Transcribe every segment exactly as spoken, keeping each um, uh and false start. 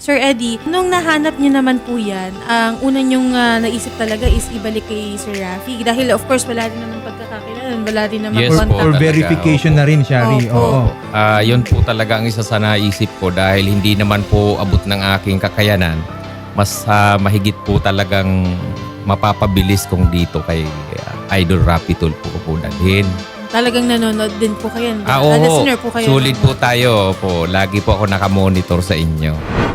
Sir Eddie, nung nahanap niyo naman po yan, ang una niyong ah, naisip talaga is ibalik kay Sir Rafi. Dahil of course, wala rin naman pagkakakilan, wala rin naman Yes po. contact. Or Talaga, verification opo. na rin, Shari. Opo. Oo. Ah, yun po talaga ang isa sa naisip ko dahil hindi naman po abot ng aking kakayanan. Mas ah, mahigit po talagang mapapabilis kung dito kay ah, Idol Rapi Tulfo ko po dalhin. Talagang nanonood din po kayo. Ah, Ah, oo. listener po kayo. Sulit po tayo po. Lagi po ako nakamonitor sa inyo.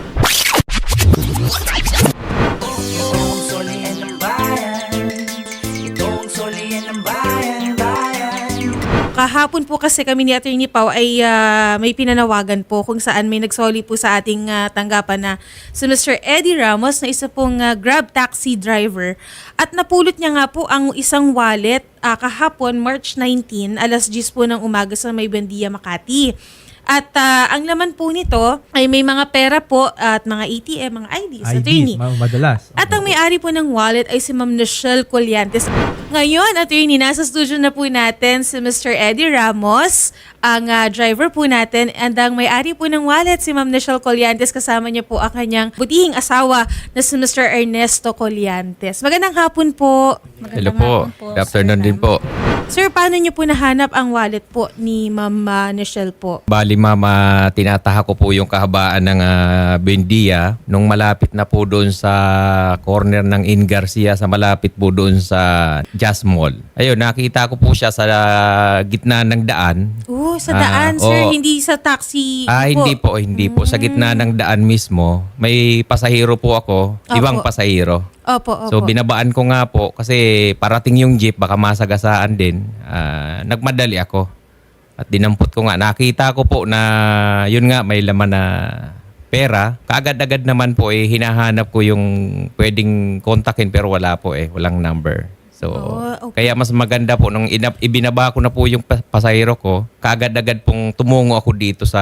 Itong solian ng bayan, itong solian ng bayan, bayan. Kahapon po kasi kami ni Attorney Pau ay ah, may pinanawagan po kung saan may nagsoli po sa ating ah, tanggapan na si Mister Eddie Ramos na isa pong ah, Grab taxi driver at napulot niya nga po ang isang wallet ah, kahapon March nineteenth alas diyes po ng umaga sa May Buendia, Makati. At ah, ang laman po nito ay may mga pera po at mga A T M, mga I Ds, I attorney. Ds, ma- madalas. At ang may-ari po ng wallet ay si Ma'am Nichelle Colliantes. Ngayon, attorney, nasa studio na po natin si Mister Eddie Ramos, ang ah, driver po natin. And ang may-ari po ng wallet, si Ma'am Nichelle Colliantes. Kasama niya po ang kanyang butihing asawa na si Mister Ernesto Colliantes. Magandang hapon po. Hello po. Good afternoon din po. Sir, paano niyo po nahanap ang wallet po ni Ma'am ah, Nichelle po? Bali mama, tinataha ko po yung kahabaan ng uh, Buendia nung malapit na po doon sa corner ng In Garcia sa malapit po doon sa Jazz Mall. Ayun, nakita ko po siya sa uh, gitna ng daan. Oh, sa Ah, daan, sir. oo. Hindi sa taxi Ah, hindi po, hindi po. Sa gitna ng daan mismo, may pasahero po ako, ibang Opo. pasahero. Opo, opo. So binabaan ko nga po kasi parating yung jeep, baka masagasaan din. Ah, nagmadali ako. At dinampot ko nga. Nakita ko po na yun nga may laman na pera. Kaagad-agad naman po eh hinahanap ko yung pwedeng kontakin pero wala po eh. Walang number. So Oh, okay. kaya mas maganda po nung ina- ibinaba ko na po yung pa- pasahero ko, kaagad-agad pong tumungo ako dito sa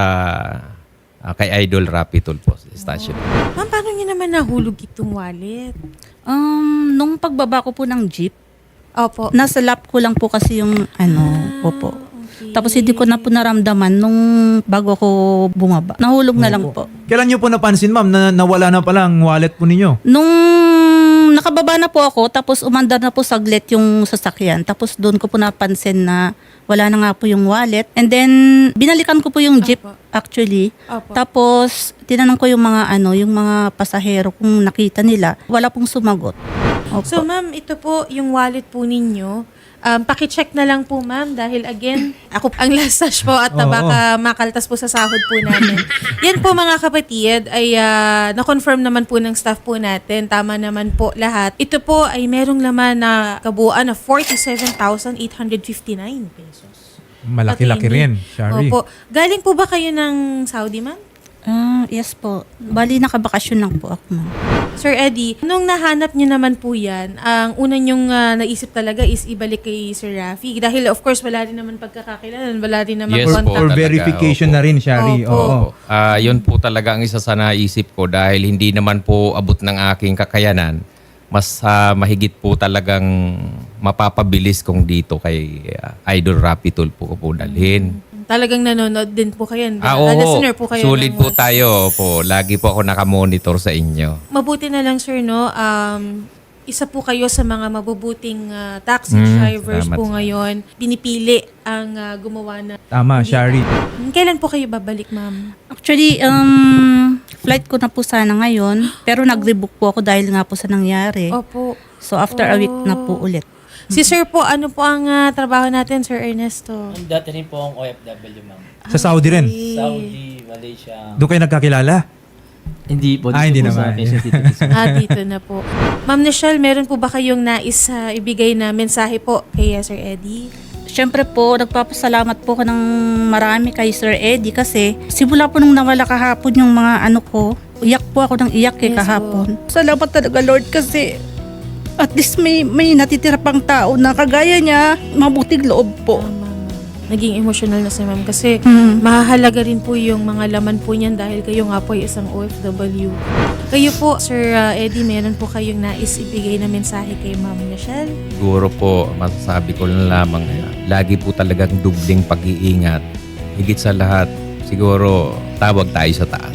ah, kay Idol Rapi Tulfo station. Ma'am, paano niyo naman nahulog itong wallet? Um, nung pagbaba ko po ng jeep, Opo. nasa lap ko lang po kasi yung ano, opo. Okay. Tapos hindi ko na po naramdaman nung bago ako bumaba. Nahulog na lang po. Kailan niyo po napansin, ma'am, na nawala na pala ang wallet po ninyo? Nung nakababa na po ako, tapos umandar na po saglit yung sasakyan. Tapos doon ko po napansin na wala na nga po yung wallet. And then, binalikan ko po yung jeep Opo. actually. Opo. Tapos, tinanong ko yung mga ano, yung mga pasahero kung nakita nila. Wala pong sumagot. Opo. So, ma'am, ito po yung wallet po ninyo. Um, pakicheck na lang po, ma'am, dahil again, ako ang last touch po at Oo. baka makaltas po sa sahod po namin. Yan po mga kapatid ay ah, na-confirm naman po ng staff po natin. Tama naman po lahat. Ito po ay merong laman na kabuuan na forty-seven thousand eight hundred fifty-nine pesos. Malaki-laki rin, Shari. Opo. Galing po ba kayo ng Saudi, ma'am? Ah, yes po. Bali, nakabakasyon lang po ako, ma'am. Sir Eddie, nung nahanap niyo naman po yan, ang una niyong ah, naisip talaga is ibalik kay Sir Rafi. Dahil of course, wala rin naman pagkakakilan, wala rin naman Yes Or, po. contact. or Talaga, verification opo. na rin, Shari. Opo. Oo. Ah, yun po talaga ang isa sa naisip ko dahil hindi naman po abot ng aking kakayanan. Mas ah, mahigit po talagang mapapabilis kung dito kay ah, Idol Rapi Tulfo ko po dalhin. Talagang nanonood din po kayo. Ah, Ah, oo. listener po kayo. Sulit ng- po tayo po. Lagi po ako nakamonitor sa inyo. Mabuti na lang, sir, no? Um, isa po kayo sa mga mabubuting ah, taxi Mm, drivers salamat. po ngayon. Pinipili ang ah, gumawa na. Tama, Shari. Kailan po kayo babalik, ma'am? Actually, um, flight ko na po sana ngayon, pero nag-rebook po ako dahil nga po sa nangyari. Opo. So, after a week na po ulit. Si sir po, ano po ang ah, trabaho natin, Sir Ernesto? Ang dati rin po akong O F W, ma'am. Sa Saudi rin. Saudi, Malaysia. Doon kayo nagkakilala? Hindi po. Ah, hindi po naman. Sa Quezon City mismo. Ah, dito na po. Ma'am Nichelle, meron po ba kayong nais ah, ibigay na mensahe po kay ah, Sir Eddie? Siyempre po, nagpapasalamat po ko ng marami kay Sir Eddie kasi simula po nung nawala kahapon yung mga ano ko, iyak po ako ng iyak eh Yes kahapon. Salamat talaga Lord kasi at least may, may natitira pang tao na kagaya niya, mabuting loob po. Tama, ma'am. Naging emotional na si ma'am kasi Mm. mahahalaga rin po yung mga laman po niyan dahil kayo nga po ay isang O F W. Kayo po, Sir ah, Eddie, meron po kayong nais ibigay na mensahe kay Ma'am Nichelle? Siguro po, masasabi ko lang lamang, eh, lagi po talagang dubling pag-iingat. Higit sa lahat, siguro tawag tayo sa taas.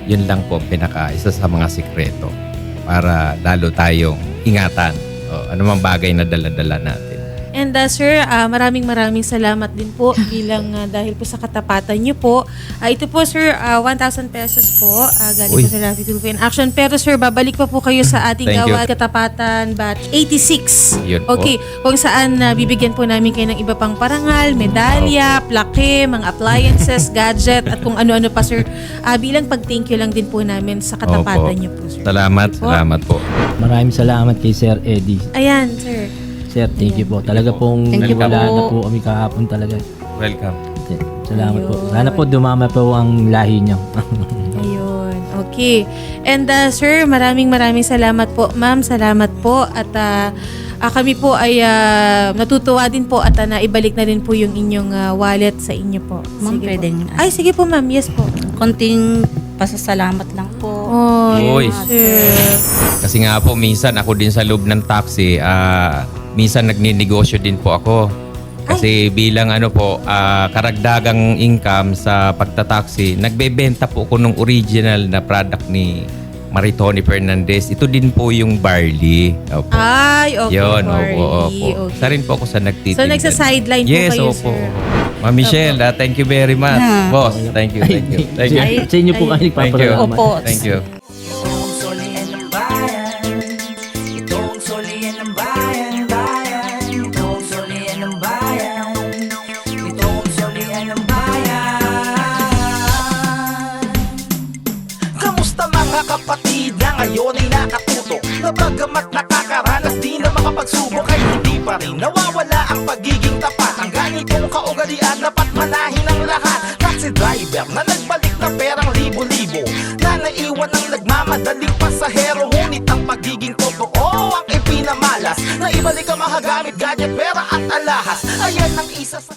Yun lang po ang pinaka isa sa mga sikreto para lalo tayong ingatan. O, anumang bagay na dala-dala natin. And uh, sir, uh, maraming maraming salamat din po bilang uh, dahil po sa katapatan niyo po. Uh, ito po sir, uh, one thousand pesos po uh, galing Uy. po sa Rafi Tulfo in Action. Pero sir, babalik pa po kayo sa ating Thank you. Gawad Katapatan Batch eighty-six. Yun po. Okay, kung saan uh, bibigyan po namin kayo ng iba pang parangal, medalya, plaque, mga appliances, gadget, at kung ano-ano pa sir. Uh, bilang pag-thank you lang din po namin sa katapatan Opo. niyo po sir. Salamat, Thank you po. salamat po. Maraming salamat kay Sir Eddie. Ayan sir. Sir, thank you po. Talaga pong Thank you wala po. na po kami kahapon talaga. Welcome. Salamat po. Ayun. Sana po dumama po ang lahi niyo. Ayun. Okay. And uh, sir, maraming maraming salamat po. Ma'am, salamat po. At uh, uh, kami po ay uh, natutuwa din po at uh, naibalik na rin po yung inyong uh, wallet sa inyo po. Ma'am, Sige po. pwedeng- Ay, sige po ma'am. Yes po. Konting pasasalamat lang po. Oh, Uy. sir. Kasi nga po, minsan ako din sa loob ng taxi, ah, minsan nagninegosyo din po ako. Kasi bilang ano po, ah, karagdagang income sa pagtataxi, nagbebenta po ako ng original na product ni Maritoni Fernandez. Ito din po yung barley. Opo. Ay, okay. Yun, Barley. opo, opo. Okay. Isa rin po ako sa nagtitinda. So, nagsa-sideline po yes, kayo, opo. sir. Ma'am Michelle, ah, thank you very much. Ah. Boss, thank you, thank you. Thank you. Ay, Sa inyo po kami Thank you. nagpapasalamat. Opo. Thank you. Itong solian ng bayan, itong solian ng bayan, bayan. Itong solian ng bayan, itong solian ng bayan. Kamusta mga kapatid na ngayon ay nakatuto, na bagamat nakakaranas di na makapagsubok ay hindi pa rin nawawala ang pagiging tapat. Ang ganitong kaugalian dapat manahin ng lahat. Taxi driver na nagbalik na perang libo-libo, na naiwan ang nagmamadaling pasahero. Ngunit ang pagiging totoo ang ipinamalas, na ibalik ang mahagamit, gadget, pera at alahas. Ayan ang isa sa